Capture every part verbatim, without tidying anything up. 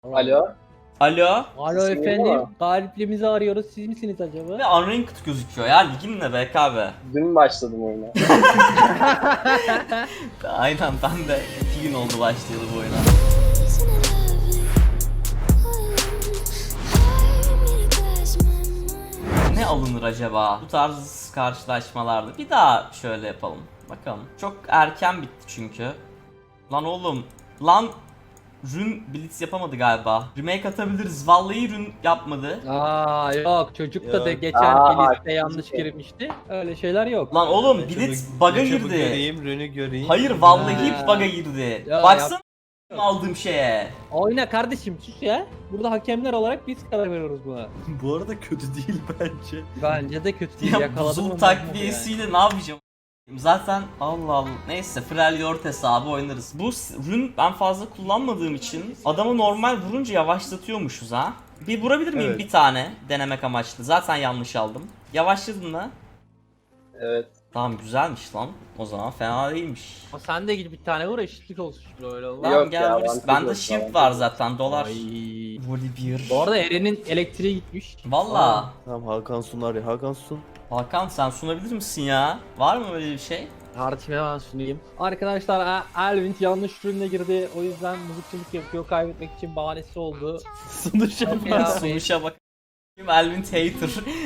Alo. Alo. Alo Sesim efendim, geliyor mu? galipliğimizi arıyoruz. Siz misiniz acaba? Ve unranked gözüküyor ya. Ligin ne be abi? Dün başladım oyuna. Aynen, ben de iki gün oldu başlayalı bu oyuna. Ne alınır acaba bu tarz karşılaşmalarda? Bir daha şöyle yapalım. Bakalım. Çok erken bitti çünkü. Lan oğlum. Lan Rün Blitz yapamadı galiba. Remake atabiliriz. Vallahi Rün yapmadı. Aa yok, çocuk da de Yok. geçen Aa, liste yanlış girmişti. Öyle şeyler yok. Lan oğlum Ben Blitz çabuk- bug'a ben çabuk girdi. Göreyim, Rönü göreyim. Hayır vallahi Ha. bug'a girdi. Ya, Baksana aldığım şeye. Oyna kardeşim, sus ya. Burada hakemler olarak biz karar veriyoruz buna. Bu arada kötü değil bence. Bence de kötü değil. Ya Yakaladım buzul onu takviyesiyle ne yapacağım? Zaten Allah Allah. Neyse Freljord hesabı oynarız. Bu s- rün ben fazla kullanmadığım için adamı normal vurunca yavaşlatıyormuşuz ha. Bir vurabilir miyim Evet. bir tane denemek amaçlı. Zaten yanlış aldım. Yavaşladın mı? Evet. Tamam güzelmiş lan. O zaman fena değilmiş. Ama sen de gidip bir tane vur, eşitlik olsun böyle olur. Lan Yok gel ya, vur. avantaj Bende yok, shield avantaj var yok. zaten dolar. Ay. Volibear. Bu arada Eren'in elektriği gitmiş. Valla. Tamam Hakan sunar ya. Hakan sun. Hakan sen sunabilir misin ya? Var mı öyle bir şey? Kardeşim hemen sunayım. Arkadaşlar Elvin yanlış ürünle girdi. O yüzden mızıkçılık yapıyor. Kaybetmek için bahanesi oldu. Sunuş Ya, yapmaz. Sunuşa bak. Elvin Hater.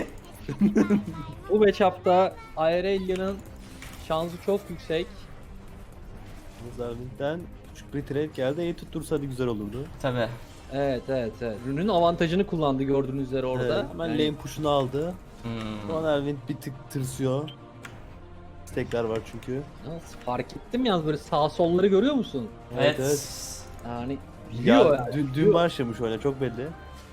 Bu matchup'ta Aurelia'nın şansı çok yüksek. Zervin'den küçük bir trade geldi. İyi tuttursaydı güzel olurdu. Tabi. Evet evet evet. Ürünün avantajını kullandı gördüğünüz üzere orada. Evet, hemen Yani- lane push'unu aldı. Hmm. Şu an Erwin bir tık tırsıyor. Stekler var çünkü. Yalnız fark ettim yalnız böyle sağ solları görüyor musun? Evet. Evet, Yani Ya, biliyor yani. dün, dün başlamış oyuna çok belli.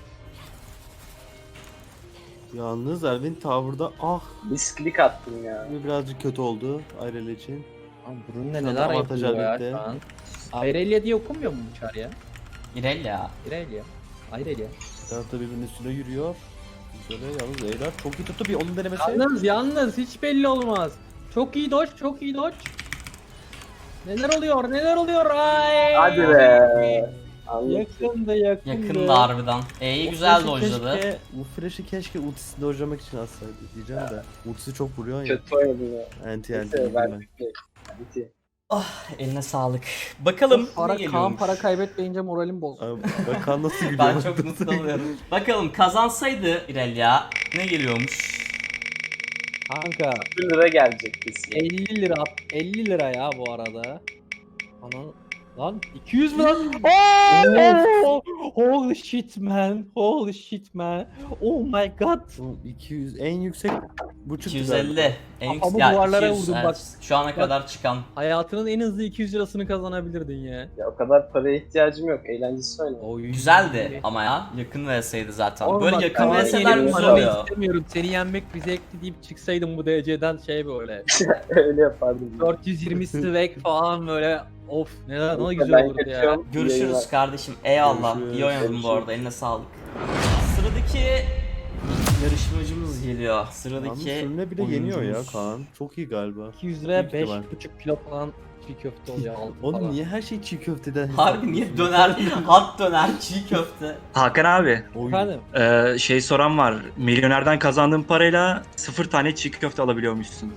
Yalnız Erwin Tower'da ah Misklik attım ya. bu birazcık kötü oldu Ayrel için. Lan bunun ne Şu anda neler avantaj yapıyor ya elbette. şu an. Aurelia diye okunmuyor mu bu çar ya? İrelia. Aurelia. Aurelia. Bir tarafta birbirinin üstüne yürüyor. Güzel yalnız Eylar çok iyi tuttu bir onun denemesi. Yalnız yalnız hiç belli olmaz. Çok iyi dodge, çok iyi dodge. Neler oluyor, neler oluyor? Ay. Hadi be. Anladım. Yakındı, yakındı. Yakında harbiden. E'yi güzel flash'ı dojladı. keşke- Bu flash'ı keşke ultisini dojlamak için atsaydı diyeceğim de. Ultisi çok vuruyor ya. Kötü oynadım ya. Anti anti Neyse ben ben. bitti. Bitti. Eline sağlık. Bakalım Para, ne Kaan geliyormuş. para kaybetmeyince moralim bozuldu. Abi, ben kan nasıl gülüyor? Ben çok mutlu oluyorum. Bakalım kazansaydı İrelia ne geliyormuş? Kanka bir lira gelecek kesin. elli lira, elli lira ya bu arada. Ana lan iki yüz mü lan? Oh, holy shit man, holy shit man. Oh my god. Bu iki yüz en yüksek buçuk iki yüz elli. En Kafamı ya, duvarlara iki yüz, vurdum evet. bak. Şu ana Bak. kadar çıkan. Hayatının en hızlı iki yüz lirasını kazanabilirdin ya. Ya o kadar paraya ihtiyacım yok. Eğlencesi oynadım. Oy. Güzeldi ama ya. Yakın V S'ydi zaten. Oğlum Böyle bak, yakın Kaan'ı V S'ler yenip güzel oynamayı oluyor. istemiyorum. Seni yenmek bir zevkli deyip çıksaydım bu D C'den şey böyle. Öyle yapardım. dört yüz yirmi swag falan böyle. Of neler ne Ben güzel olurdu ya. kaçıyorum. İyi Görüşürüz yayınlar. kardeşim. Eyvallah. Görüşürüz. İyi oynadın bu Görüşürüz. arada. Eline sağlık. Sıradaki yarışmacımız geliyor. Yalnız Sıradaki sürüne bile yeniyor ya oyuncumuz. Kaan. Çok iyi galiba. iki yüz liraya Büyük ihtimal. beş buçuk kilo falan çiğ köfte oluyor altı Oğlum falan. niye her şey çiğ köfteden Harbi niye döner, hat döner, çiğ köfte. Hakan abi, Oy. Efendim? e, şey soran var. Milyonerden kazandığın parayla sıfır tane çiğ köfte alabiliyormuşsun.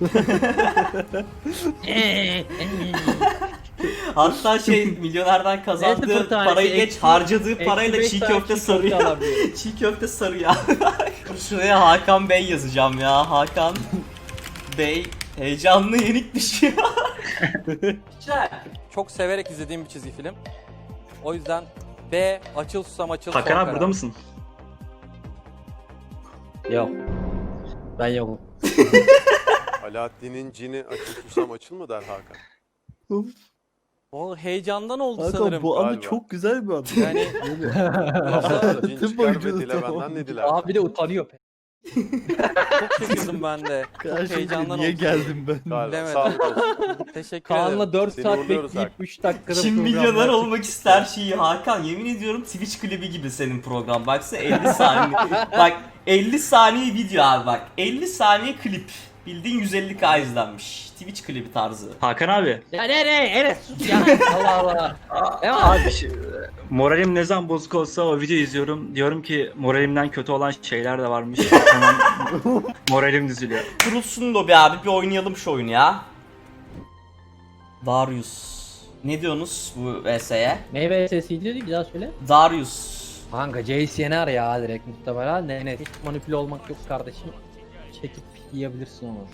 Hatta şey milyonerden Ne kazandığı sıfır tanesi? parayı geç Eksi- harcadığı eksi parayla beş çiğ tane köfte çiğ sarıyor. alabiliyor. Çiğ köfte sarıyor. Şuraya Hakan Bey yazacağım ya. Hakan Bey heyecanlı yenik düşüyor. Güzel. Çok severek izlediğim bir çizgi film. O yüzden B, Açıl Susam Açıl son Hakan abi karar. burada mısın? Yok. Ben yokum. Alaaddin'in cini açıl susam açıl mı der Hakan? O heyecandan oldu Hakan sanırım. bu anı Galiba. çok güzel bir anı. Yani Yoksa cin Tüm çıkar oyuncu ve dile tamam. benden ne diler? Abi de utanıyor. çok şaşırdım ben de. Çok Karşımda heyecandan niye oldu. geldim ben? Galiba. Bilemedim. Sağlık olsun. Teşekkür ederim. Kaan'la dört Seni saat uğurluyoruz bekleyip Hakan. üç dakikada Kim programlar milyoner çıktı. olmak ister şeyi Hakan. Yemin ediyorum Twitch klibi gibi senin program. Baksana elli saniye. Bak elli saniye video abi bak. elli saniye klip. Bildiğin yüz elli K izlenmiş. Twitch klibi tarzı. Hakan abi, Ya ne ne Enes sus ya. Allah Allah. Ne var? Abi şu- moralim ne zaman bozuk olsa o videoyu izliyorum. Diyorum ki moralimden kötü olan şeyler de varmış. Hemen moralim düzülüyor. Kurulsun lobi abi, bir oynayalım şu oyunu ya. Darius. Ne diyorsunuz bu V S'ye? Meyve sesiydi değil, bir daha söyle. Darius. Kanka Jace yener ya direkt muhtemelen. Ne ne hiç manipüle olmak yok kardeşim. Çekip yiyebilirsin onu.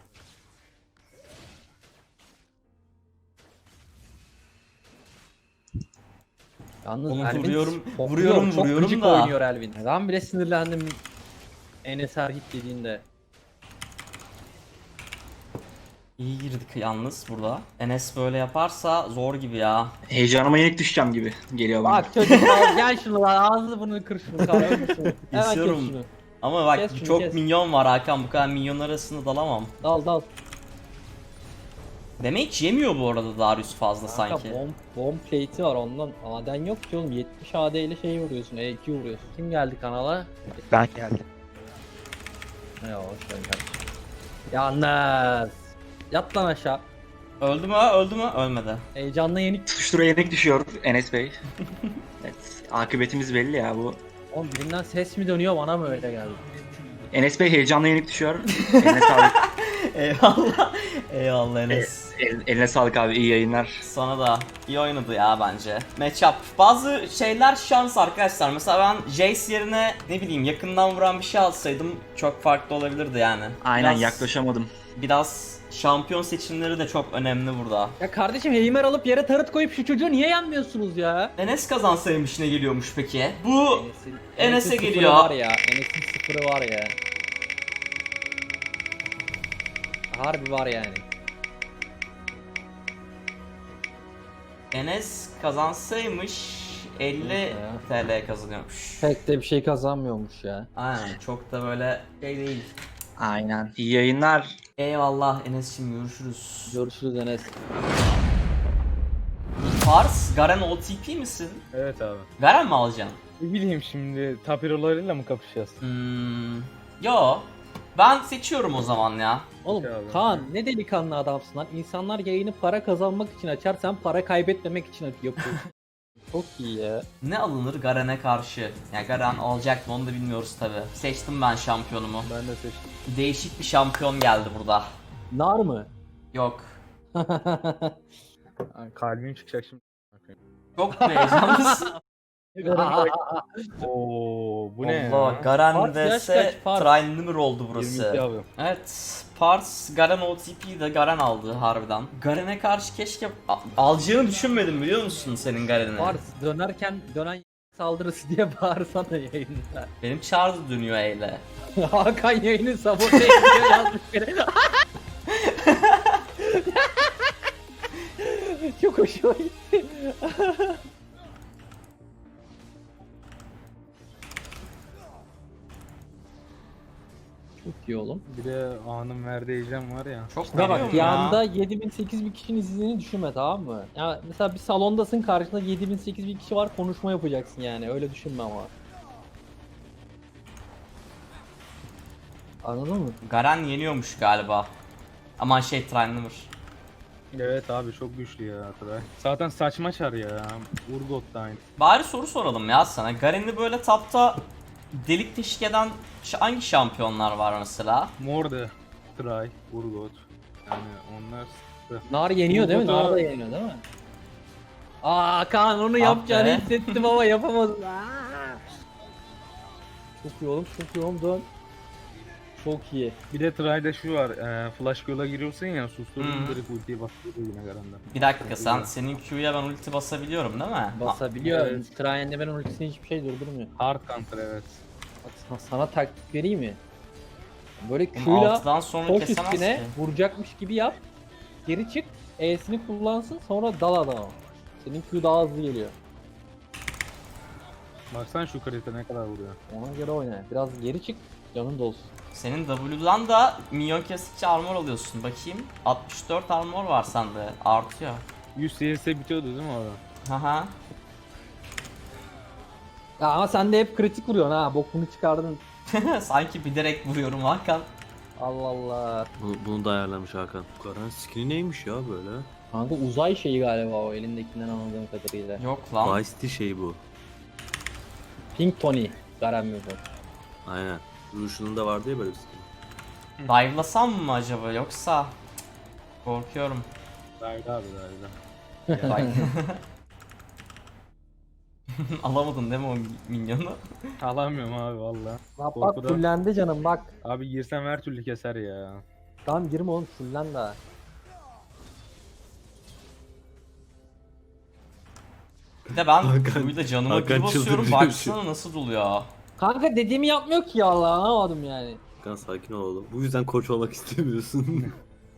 Yalnız Oğlum Elvin vuruyorum, topluyor, vuruyorum, çok vuruyorum gıcık da. oynuyor Elvin. Ben bile sinirlendim Enes Erhit dediğinde. İyi girdik yalnız burada. Enes böyle yaparsa zor gibi ya. Heyecanıma yenik düşeceğim gibi geliyor bana. Bak çocuk al, gel şunu lan ağzını burnunu kır şunu kahve şunu. Hemen kes İstiyorum. şunu. Ama bak Kes şunu, çok kes. minyon var Hakan, bu kadar minyon arasında dalamam. Dal dal. Damage yemiyor bu arada Darius fazla Kanka sanki. bomb, bomb plate'i var ondan maden yok ki oğlum, yetmiş A D ile şey vuruyorsun, E iki vuruyorsun. Kim geldi kanala? Ben geldim. Ne hoş geldin kardeşim. Yalnız. Yat lan aşağı. Öldü mü? Öldü mü? Ölmedi. Heyecanla yenik. Tutuştura yenik düşüyor Enes Bey. Evet, akıbetimiz belli ya bu. Oğlum birinden ses mi dönüyor, bana mı öyle geldi? Enes Bey heyecanla yenik düşüyor. Eline sağlık. Eyvallah. Eyvallah Enes. El- eline sağlık abi, iyi yayınlar. Sana da iyi oynadı ya bence. Matchup. Bazı şeyler şans arkadaşlar. Mesela ben Jace yerine ne bileyim yakından vuran bir şey alsaydım çok farklı olabilirdi yani. Aynen, Biraz- yaklaşamadım. Biraz şampiyon seçimleri de çok önemli burada. Ya kardeşim Heimer alıp yere tarıt koyup şu çocuğu niye yenmiyorsunuz ya? Enes kazansaymış ne geliyormuş peki? Bu Enes'in- Enes'e Enes'in sıfırı geliyor. var ya, Enes'in sıfırı var ya. Harbi var yani. Enes kazansaymış elli Neyse T L kazanıyormuş. Pek de bir şey kazanmıyormuş ya. Aynen, çok da böyle şey değil. Aynen. İyi yayınlar. Eyvallah Enes'cim, görüşürüz. Görüşürüz Enes. Pars, Garen O T P misin? Evet abi. Garen mi alacaksın? Ne bileyim şimdi tapirolarıyla mı kapışacağız? Hmm, yo. Ben seçiyorum o zaman ya. Oğlum Peki abi. Kaan ne delikanlı adamsın lan. İnsanlar yayını para kazanmak için açar, sen para kaybetmemek için yapıyorsun. Çok iyi ya. Ne alınır Garen'e karşı? Ya Garen alacak mı onu da bilmiyoruz tabi. Seçtim ben şampiyonumu. Ben de seçtim. Değişik bir şampiyon geldi burada. Nar mı? Yok. Ay, kalbim çıkacak şimdi. Çok heyecanlısın. Oo, bu ne Allah, ya? Garen Pars yaş vs kaç? Pars. Trine oldu yirmi burası. iki abi. Evet, Pars Garen O T P'yi de Garen aldı harbiden. Garen'e karşı keşke a- alacağını düşünmedim biliyor musun senin Garen'i? Pars dönerken dönen saldırısı diye bağırsana yayında. Benim çağrı dönüyor eyle. Hakan yayını sabote ediyor yazmış biri. Çok hoşuma gitti. Çok iyi oğlum. Bir de anın verdiği heyecan var ya. Çok Ya veriyorum bak ya. yanında yedi bin sekiz bin kişinin izlediğini düşünme, tamam mı? Ya mesela bir salondasın, karşında yedi bin sekiz bin kişi var, konuşma yapacaksın yani, öyle düşünme ama. Anladın mı? Garen yeniyormuş galiba. Aman şey Trine. Evet abi çok güçlü ya Atray. Zaten saçma çar ya. Urgot da aynı. Bari soru soralım ya sana. Garen'i böyle tapta delik teşvik eden ş- hangi şampiyonlar var mesela? Morde, Try, Urgot. Yani onlar sıkıntı. Nar yeniyor değil mi? Urgot'a- Nar da yeniyor değil mi? Aa Kaan onu Ah yapacağını be. hissettim ama yapamadım. Aa! Çok iyi oğlum, çok iyi oğlum, dön. Çok iyi. Bir de Try'de şu var. E, flash yola giriyorsun ya, susturun Hı. direkt ultiyi bastırıyor yine Garen'den. Bir dakika, sen senin Q'ya ben ulti basabiliyorum değil mi? Ha, Basabiliyor. evet. Trayen'de ben ultisini hiçbir şey durdurmuyor. Hard counter evet. Bak sana, sana taktik vereyim mi? Böyle oğlum Q'yla altıdan sonra koş kesemez üstüne ki. vuracakmış gibi yap. Geri çık. E'sini kullansın, sonra dal adama. Senin Q daha hızlı geliyor. Baksana şu krite ne kadar vuruyor. Ona göre oyna. Biraz geri çık. Canın dolsun. Senin W'dan da minyon kestikçe armor alıyorsun. Bakayım. altmış dört armor var sende. Artıyor. yüz C S bitiyordu değil mi orada? Haha. Ya ama sen de hep kritik vuruyorsun ha. Bokunu çıkardın. Sanki bilerek vuruyorum Hakan. Allah Allah. Bunu, bunu da ayarlamış Hakan. Karan skini neymiş ya böyle? Kanka uzay şeyi galiba o elindekinden anladığım kadarıyla. Yok lan. Vice City şey bu. Pink Tony. Garen mi bu? Aynen. Ruşunun da vardı ya böyle bir şey. Dive'lasam mı acaba yoksa? Cık, korkuyorum. Dayda abi dayda. Bak. Alamadın değil mi o minyonu? Alamıyorum abi valla. Bak bak Korkudan- fullendi canım bak. Abi girsem her türlü keser ya. Tamam girme oğlum fullen daha. Bir de ben Hakan- Q'yu da canıma Hakan bir basıyorum çıldıracak baksana nasıl doluyor. Kanka dediğimi yapmıyor ki ya Allah anlamadım yani. Hakan sakin ol oğlum. Bu yüzden koç olmak istemiyorsun.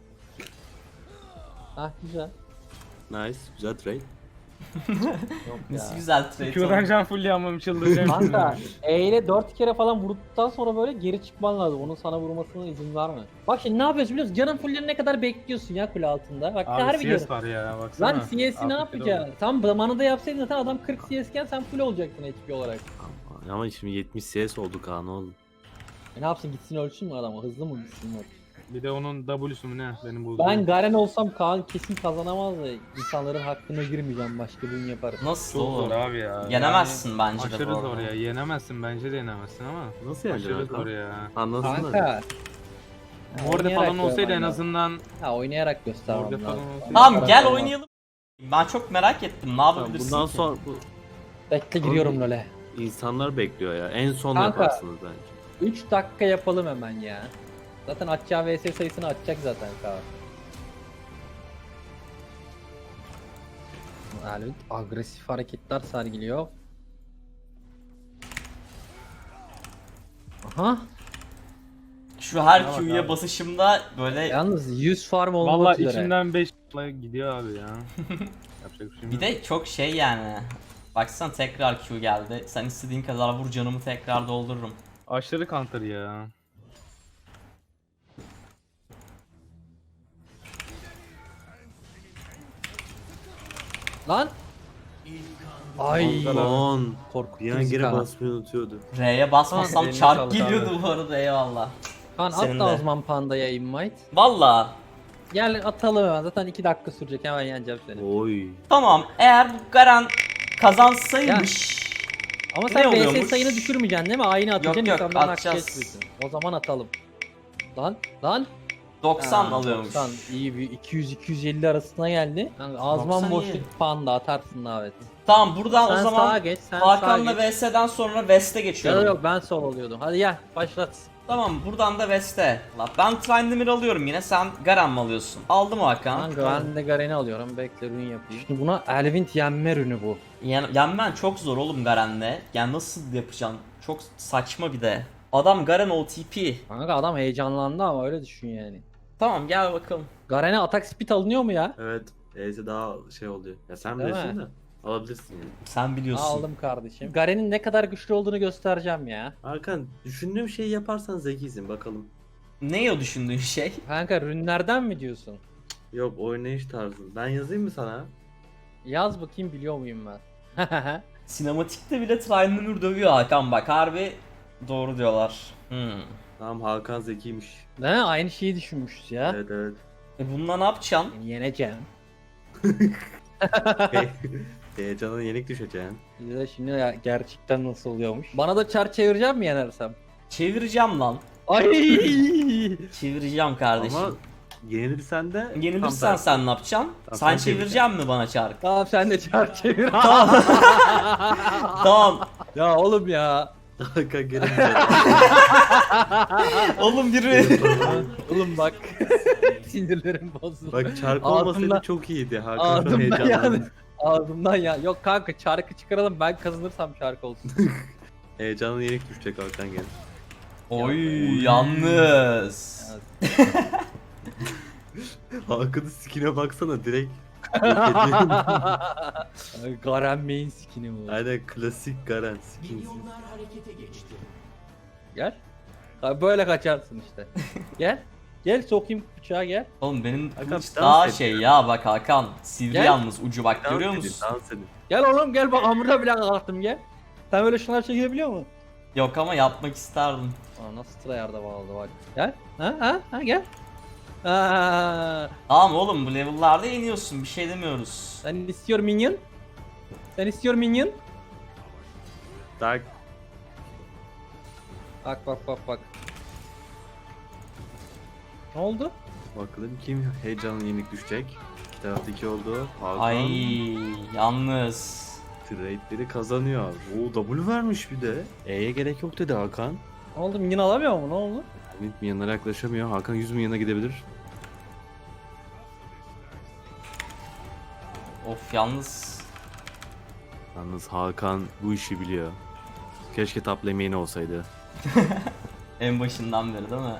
Ah güzel. Nice. Güzel trade. Yok Nasıl ya. güzel trade Q'dan oldu. can full yanmam çıldıracağım. Kanka E ile dört kere falan vurduktan sonra böyle geri çıkman lazım. Onun sana vurmasına izin verme. Bak şimdi ne yapıyorsun biliyor musun? Canın fullerine kadar bekliyorsun ya kule altında. Bak Abi harbi C diyorum. S var ya baksana. Lan C S'i ne Artık yapacaksın? Tam zamanında yapsaydın zaten adam kırk C S iken sen full olacaktın H P olarak. Ama, ama şimdi yetmiş C S oldu Kaan oğlum. E ne yapsın gitsin ölçsün mü adamı? Hızlı mı gitsin yok. Bir de onun W'su mu ne benim bulduğum. Ben Garen olsam Kaan kesin kazanamaz da insanların hakkına girmeyeceğim başka birini yaparım. Nasıl Çok oğlum? zor abi ya. Yenemezsin bence Yani de aşırı bu zor arada. ya. Yenemezsin bence de yenemezsin ama. Nasıl yani? Aşırı zor ya. Anlasınlar. Kanka. Morde oynayarak falan olsaydı en görmen lazım. azından Ha oynayarak göstermem Morde lazım. falan olsaydı. Tamam gel oynayalım. Ben çok merak ettim ne Tamam, yapabilirsin bundan ki? sonra bu Bekle giriyorum LoL'e. insanlar bekliyor ya. En son Kanka. yaparsınız bence. üç dakika yapalım hemen ya. Zaten atacağı V S sayısını atacak zaten Kaan. Yani agresif hareketler sergiliyor. Aha. Şu her Bak Q'ya abi. basışımda böyle Yalnız yüz farm olmak Valla üzere. içimden beş gidiyor abi ya. Yapacak bir şey bir de çok şey yani. Baksana tekrar Q geldi. Sen istediğin kadar vur canımı tekrar doldururum. Aşırı counter ya. Lan. Ay. on. Korkuttu Bir an bizi geri Kaan. basmayı unutuyordu. R'ye basmasam Eline çarp sağlık geliyordu abi. bu arada eyvallah. Kaan at Senin da de. o zaman Panda'ya invite. Valla. Gel atalım hemen zaten iki dakika sürecek hemen yeneceğim seni. Oy. Tamam eğer bu Garen kazansaymış. Ama Ne sen V S oluyormuş? sayını düşürmeyeceksin değil mi? Aynı atacaksın Yok, yok, insanların hakkı atacağız. geçmesin. O zaman atalım. Lan lan. doksan Ha, alıyormuş. doksan iyi bir iki yüz iki yüz elli arasına geldi. Yani azman doksan iyi. boşluk Panda atarsın davet. Tamam buradan Sen o sağa zaman geç, sen sağa Hakan'la geç. V S'den sonra West'e Ya geçiyorum. yok ben sol oluyordum. Hadi gel başlat. Tamam buradan da West'e. La, ben Tryndamere alıyorum yine sen Garen mi alıyorsun? Aldım Hakan. Kanka ben de Garen'i alıyorum. Bekle rün yapayım. Şimdi buna Elvin yenme rünü bu. Yen yenmen çok zor oğlum Garen'le. Yani nasıl yapacaksın? Çok saçma bir de. Adam Garen O T P. Kanka adam heyecanlandı ama öyle düşün yani. Tamam gel bakalım. Garen'e atak speed alınıyor mu ya? Evet. E'si daha şey oluyor. Ya sen Değil bilirsin mi? de. Alabilirsin yani. Sen biliyorsun. Aldım kardeşim. Garen'in ne kadar güçlü olduğunu göstereceğim ya. Hakan düşündüğüm şeyi yaparsan zekisin bakalım. Ne o düşündüğün şey? Kanka rünlerden mi diyorsun? Yok oynayış tarzın. Ben yazayım mı sana? Yaz bakayım biliyor muyum ben? Sinematikte bile Tryndamere dövüyor Hakan bak harbi doğru diyorlar. Hmm. Tamam Hakan zekiymiş. Değil mi? Aynı şeyi düşünmüşüz ya. Evet evet. E bununla ne yapacaksın? Yani yeneceğim. Hey, Heyecana yenik düşeceksin. Bir de şimdi ya gerçekten nasıl oluyormuş. Bana da çar çevireceğim mi yenersem? Çevireceğim lan. Ay! Çevireceğim kardeşim. Ama yenilirsen de Yenilirsen tam sen ne yapacaksın? Tamam, sen sen çevireceksin mi bana çark? Tamam sen de çar çevir. Tamam. Ya oğlum ya. Hakan gelince. Oğlum biri. Oğlum bak. Sinirlerim bozuldu. Bak çark Ağzımdan- olmasaydı çok iyiydi. Hakan Ağzımdan çok heyecanlandı. yani. Ağzımdan ya. Yok kanka çarkı çıkaralım ben kazanırsam çark olsun. Heyecanın yenik düşecek Hakan gel. Oy yalnız. Hakan'ın skine baksana direkt. Garen main skin'i bu. Aynen klasik Garen skinsiz. Gel. Ha, böyle kaçarsın işte. Gel. Gel sokayım bıçağı gel. Oğlum benim Hakan, kılıç dans daha et şey ya. ya bak Hakan. Sivri Gel. yalnız ucu bak görüyor Dans edin, musun? dans edin. Gel oğlum gel bak hamurda bile kalktım gel. Sen böyle şunlar çekebiliyor musun? Yok ama yapmak isterdim. Aa nasıl tryhard'a bağladı bak. Gel. Ha ha ha gel. Aa, Tamam oğlum bu level'larda yeniyorsun bir şey demiyoruz. sen istiyor minyon? Sen istiyor minyon? Tak. Bak bak bak bak. Ne oldu? Bakalım kim heyecanlı yenik düşecek. İki tarafta iki oldu. Hakan Ay yalnız. trade'leri kazanıyor. Oo W vermiş bir de. E'ye gerek yok dedi Hakan. Ne oldu? Minyon alamıyor mu? Ne oldu? Ümit milyonlara yaklaşamıyor. Hakan yüz milyona gidebilir. Of yalnız. Yalnız Hakan bu işi biliyor. Keşke top lane'in olsaydı. En başından beri değil mi?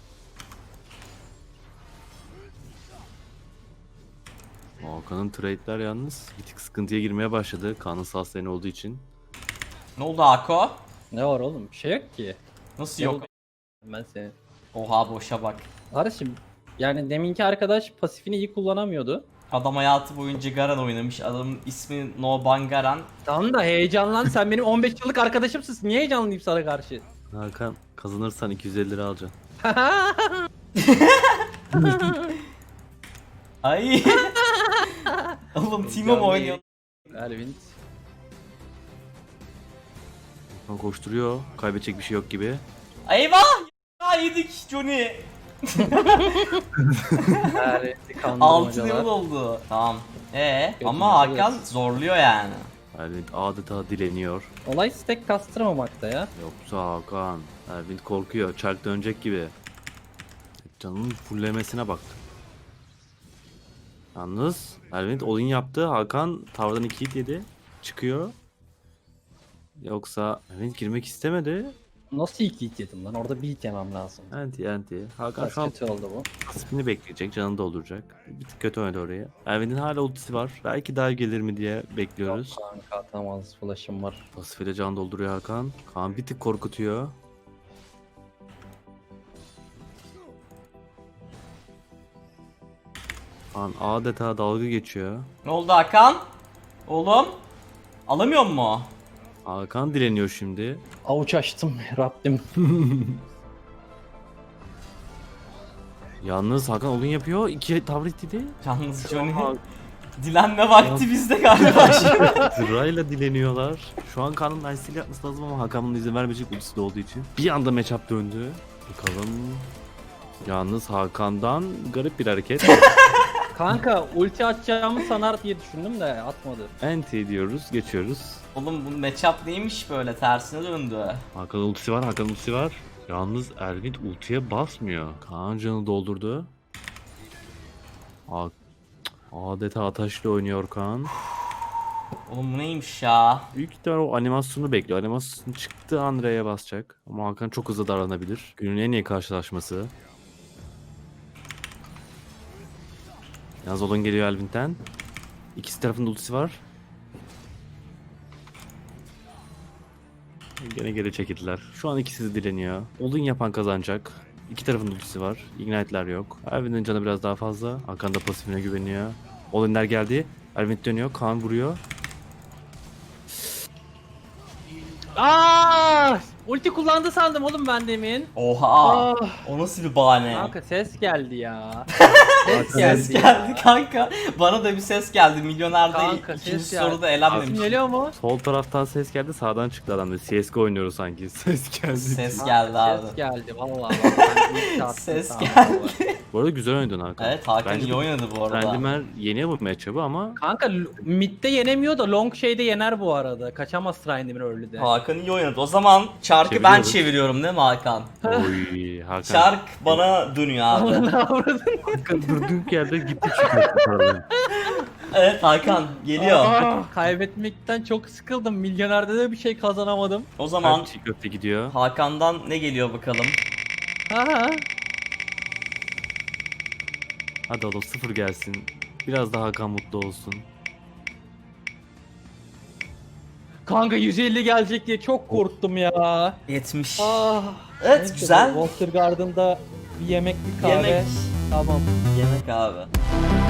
Hakan'ın trade'ler yalnız bir tık sıkıntıya girmeye başladı. Kaan'ın sas lane olduğu için. Ne oldu Ako? Ne var oğlum? Bir şey yok ki. Nasıl yok? Ben seni. Oha boşa bak. Kardeşim yani deminki arkadaş pasifini iyi kullanamıyordu. Adam hayatı boyunca Garen oynamış. Adamın ismi No Bangaran. Tamam da heyecanlan, sen benim on beş yıllık arkadaşımsın. Niye heyecanlıyım sana karşı? Hakan kazanırsan iki yüz elli lira alacaksın. Ay. Oğlum Timo mu oynuyor? Elvin. Hakan koşturuyor. Kaybedecek bir şey yok gibi. Eyvah! Ya yedik Johnny. altı level oldu. Tamam. Ee Kötü ama level, Hakan evet. zorluyor yani. Elvin adeta dileniyor. Olay stack kastırmamakta ya. Yoksa Hakan. Elvin korkuyor. Çark dönecek gibi. Canının fullemesine bak. Yalnız Elvin all-in yaptı. Hakan tavırdan iki hit yedi. Çıkıyor. Yoksa Elvin girmek istemedi. Nasıl ilk hit yedim lan? Orada bir hit yemem lazım. Anti anti. Hakan Biraz şu an kötü oldu bu. pasifini bekleyecek. Canını dolduracak. Bir tık kötü oynadı oraya. Elvin'in hala ultisi var. Belki dive gelir mi diye bekliyoruz. Yok kanka atamaz. Flash'ım var. Pasifiyle can dolduruyor Hakan. Kaan bir tık korkutuyor. Kaan adeta dalga geçiyor. Ne oldu Hakan? Oğlum? Alamıyor mu? Hakan dileniyor şimdi. Avuç açtım Rabbim. Yalnız Hakan olun yapıyor. İki tavır ittiydi. Yalnız Johnny. Dilenme vakti bizde galiba. Sırayla dileniyorlar. Şu an Kaan'ın nice'liği yapması lazım ama Hakan bunun izin vermeyecek ultisi de olduğu için. Bir anda matchup döndü. Bakalım. Yalnız Hakan'dan garip bir hareket. Kanka ulti atacağımı sanar diye düşündüm de atmadı. Anti diyoruz, geçiyoruz. Oğlum bu matchup neymiş böyle tersine döndü. Hakan ultisi var, Hakan ultisi var. Yalnız Elvin ultiye basmıyor. Kaan canı doldurdu. A Adeta ataşla oynuyor Kaan. Oğlum bu neymiş ya? Büyük ihtimal o animasyonu bekliyor. Animasyon çıktı Andre'ye basacak. Ama Hakan çok hızlı davranabilir. Günün en iyi karşılaşması. Yalnız Olun geliyor Elvin'den. İkisi tarafında ultisi var. Gene geri çekildiler. Şu an ikisi de dileniyor. Olun yapan kazanacak. İki tarafın ultisi var. Ignite'ler yok. Elvin'in canı biraz daha fazla. Hakan da pasifine güveniyor. Olunler geldi. Elvin dönüyor. Kaan vuruyor. Aa! Ulti kullandı sandım oğlum ben demin. Oha. Ah. O nasıl bir bahane? Kanka ses geldi ya. Ses geldi kanka. Bana da bir ses geldi. Milyonerde Kanka, ikinci ses geldi. soruda Sesim elenmemiş. geliyor mu? Sol taraftan ses geldi. Sağdan çıktı adam. C S G O oynuyoruz sanki. Ses geldi. Ses geldi abi. Ses geldi vallahi. bak, ben ilk çarptım Ses sandım geldi. bu. Bu arada güzel oynadın Hakan. Evet Hakan Bence iyi de- oynadı bu arada. Randimer yeniyor bu matchup'ı ama Kanka l- midde yenemiyor da long şeyde yener bu arada. Kaçamaz Trindamir early'de. Hakan iyi oynadı. O zaman çarkı ben Çeviriyoruz. çeviriyorum değil mi Hakan? oy Hakan. Çark bana dönüyor abi. Ne avradın? Hakan durduğun yerde gitti çıkıyor. Evet Hakan geliyor. Ah, kaybetmekten çok sıkıldım. Milyonerde de bir şey kazanamadım. O zaman Çiğ köfte gidiyor. Hakan'dan ne geliyor bakalım. Ha. Hadi oğlum sıfır gelsin. Biraz daha Hakan mutlu olsun. Kanka yüz elli gelecek diye çok korktum ya. yetmiş. Ah. Evet Neyse, güzel. Water Garden'da bir yemek bir kahve. Yemek. Tamam. Yemek abi.